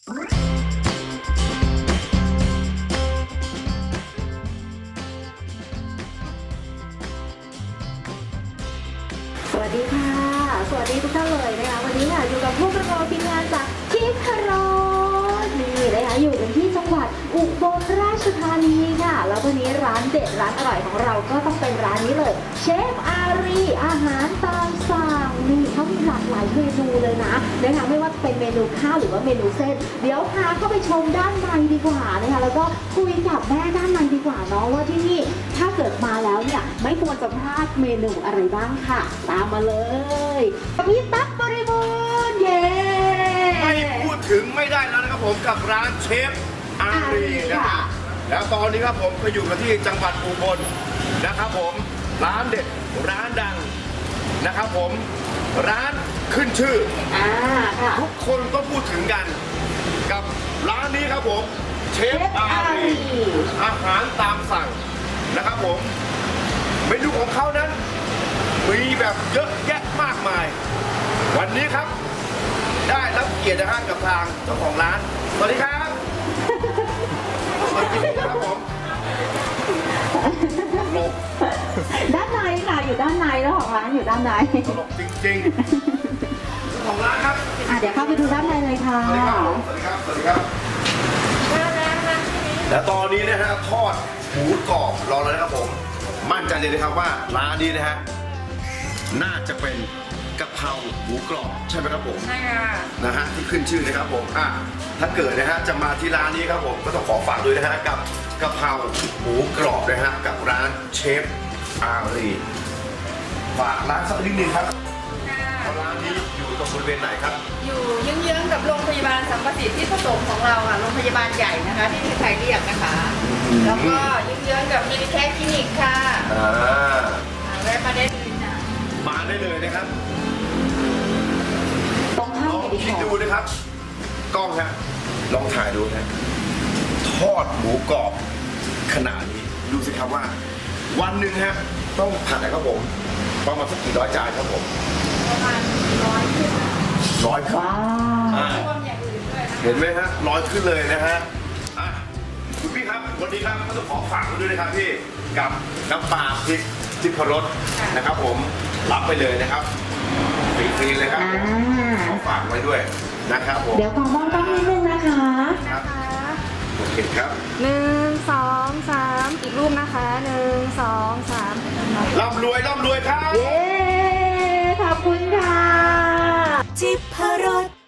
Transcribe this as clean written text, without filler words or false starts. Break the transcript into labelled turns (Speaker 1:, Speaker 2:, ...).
Speaker 1: สวัสดีค่ะสวัสดีทุกท่านเลยนะคะวันนี้ค่ะอยู่กับพวกเราทีมงานจากทิพรสนี่นะคะอยู่กันที่จังหวัดอุบลราชธานีค่ะแล้ววันนี้ร้านเด็ดร้านอร่อยของเราก็ต้องเป็นร้านนี้เลยเชฟอารีอาหารตามสั่งนี่เขามีหลากหลายเมนูเลยนะนะคะไม่ว่าเป็นเมนูข้าวหรือว่าเมนูเส้นเดี๋ยวพาเข้าไปชมด้านในดีกว่านะคะแล้วก็คุยกับแม่ด้านในดีกว่าเนาะว่าที่นี่ถ้าเกิดมาแล้วเนี่ยไม่ควรจะพลาดเมนูอะไรบ้างค่ะตามมาเลยพี่ตั๊กบริบูรณ์เย้
Speaker 2: ไม่พูดถึงไม่ได้แล้วนะครับผมกับร้านเชฟอารีนะครับแล้วตอนนี้ครับผมก็อยู่กันที่จังหวัดอุบลนะครับผมร้านเด็ดร้านดังนะครับผมร้านขึ้นชื่อ
Speaker 1: ค่ะ
Speaker 2: ทุกคนก็พูดถึงกันกับร้านนี้ครับผมเชฟอารีอาหารตามสั่งนะครับผมเมนูของเขานั้นมีแบบเยอะแยะมากมายวันนี้ครับได้รับเกียรตินะฮะกับทางเจ้าของร้านสวัสดีครับสวัสดีครับผมตลก
Speaker 1: ด้านในค่ะอยู่ด้านในแล้วของร้านอยู่ด้านใน
Speaker 2: ตลกจริงๆเจ้าของร้านครับ
Speaker 1: เดี๋ยวเข้าไปดูด้านในเลยค่ะ
Speaker 2: สวัสดีครับสวัสดีครับสวัสดีครับและตอนนี้นะฮะทอดหมูกรอบรอแล้วนะครับผมมั่นใจเลยนะครับว่าร้านนี้นะฮะน่าจะเป็นกะเพราหมูกรอบใช่ไหมครับผม
Speaker 3: ใช่ค่ะ
Speaker 2: นะฮะที่ขึ้นชื่อนะครับผมถ้าเกิดนะฮะจะมาที่ร้านนี้ครับผมก็ต้องขอฝากด้วยนะฮะกับกะเพราหมูกรอบนะฮะกับร้านเชฟอารีฝากร้านสักนิดนึงครับร้านนี้อยู่ตรงบริเวณไหนครับ
Speaker 3: อยู่เยื้องๆกับโรงพยาบาลสัมประสิทธิ์ที่ผสมของเราค่ะโรงพยาบาลใหญ่นะคะที่ที่ไทยเรียกนะคะแล้วก็เยื้องๆกับมินิแคร์คลินิกค่ะแวะมาได้เลยนะ
Speaker 2: มาได้เลยนะครับ
Speaker 1: ต้องเข้าไป
Speaker 2: คิดดูนะครับกล้องฮะลองถ่ายดูนะทอดหมูกรอบขนาดนี้ดูสิครับว่าวันหนึ่งฮะต้องผัดนะครับผมประมาณสักกี่ร้อยจานครับผม
Speaker 3: ประมาณ100ขึ้น
Speaker 2: 100ครับ
Speaker 3: รวมอย่างอื่นด้วยนะ
Speaker 2: เห็นไหมฮะ100ขึ้นเลยนะฮะคุณพี่ครับวันนี้ครับก็ต้องขอฝากด้วยนะครับพี่กับน้ำปลาพริกทิพรสนะครับผมรับไปเลยนะครับฟรีๆเลยครับขอฝากไว้ด้วยนะครับผม
Speaker 1: เดี๋ยวขอมองต้องนิดนึงนะคะ
Speaker 2: โอเคครับ
Speaker 3: 1 2 3อีกรูปนะคะ1 2 3
Speaker 2: ร่ำรวยร่ำรวยครับ
Speaker 1: เย้ขอบคุณค่ะ
Speaker 4: ทิพรส